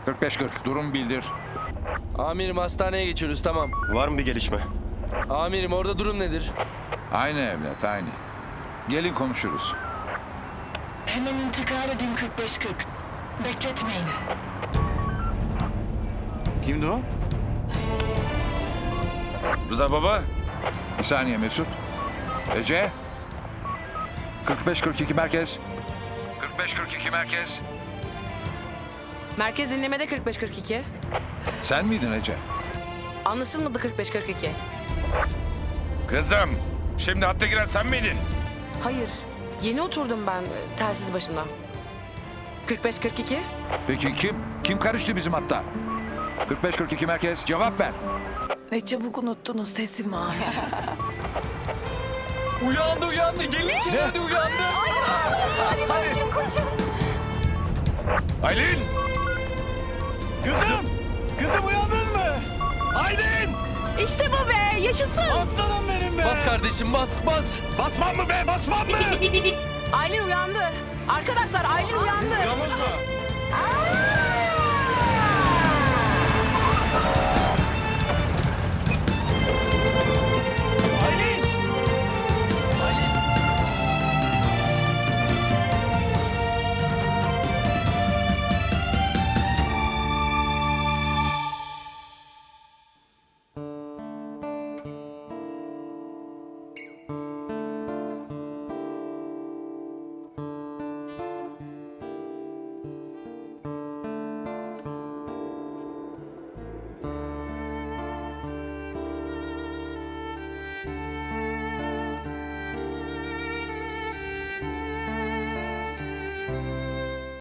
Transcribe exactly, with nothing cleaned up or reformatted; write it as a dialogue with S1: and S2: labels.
S1: kırk beş kırk durum bildir.
S2: Amirim hastaneye geçiyoruz, tamam.
S3: Var mı bir gelişme?
S2: Amirim orada durum nedir?
S1: Aynı evlat, aynı. Gelin konuşuruz.
S4: Hemen intikal edin kırk beş kırk. Bekletmeyin.
S5: Kimdi o?
S6: Rıza baba.
S1: Bir saniye Mesut. Ece. kırk beş kırk iki merkez. kırk beş kırk iki merkez.
S7: Merkez dinlemede kırk beş kırk iki.
S1: Sen miydin Ece?
S7: Anlaşılmadı kırk beş kırk iki.
S6: Kızım. Şimdi hatta giren sen miydin?
S7: Hayır. Yeni oturdum ben e, telsiz başına. kırk beş kırk iki.
S1: Peki kim? Kim karıştı bizim hatta? kırk beş kırk iki merkez, cevap ver.
S8: Ne çabuk unuttunuz teslim amirim.
S2: Uyandı uyandı, gelin içeri hadi uyandı.
S8: Koşun koşun.
S6: Aylin.
S5: Kızım! Kızım uyandın mı? Aylin!
S8: İşte bu be yaşasın.
S5: Aslanım benim be!
S2: Bas kardeşim, bas bas.
S5: Basmam mı be? Basmam mı?
S7: Aylin uyandı. Arkadaşlar Aylin uyandı.
S6: Uyanmış mı?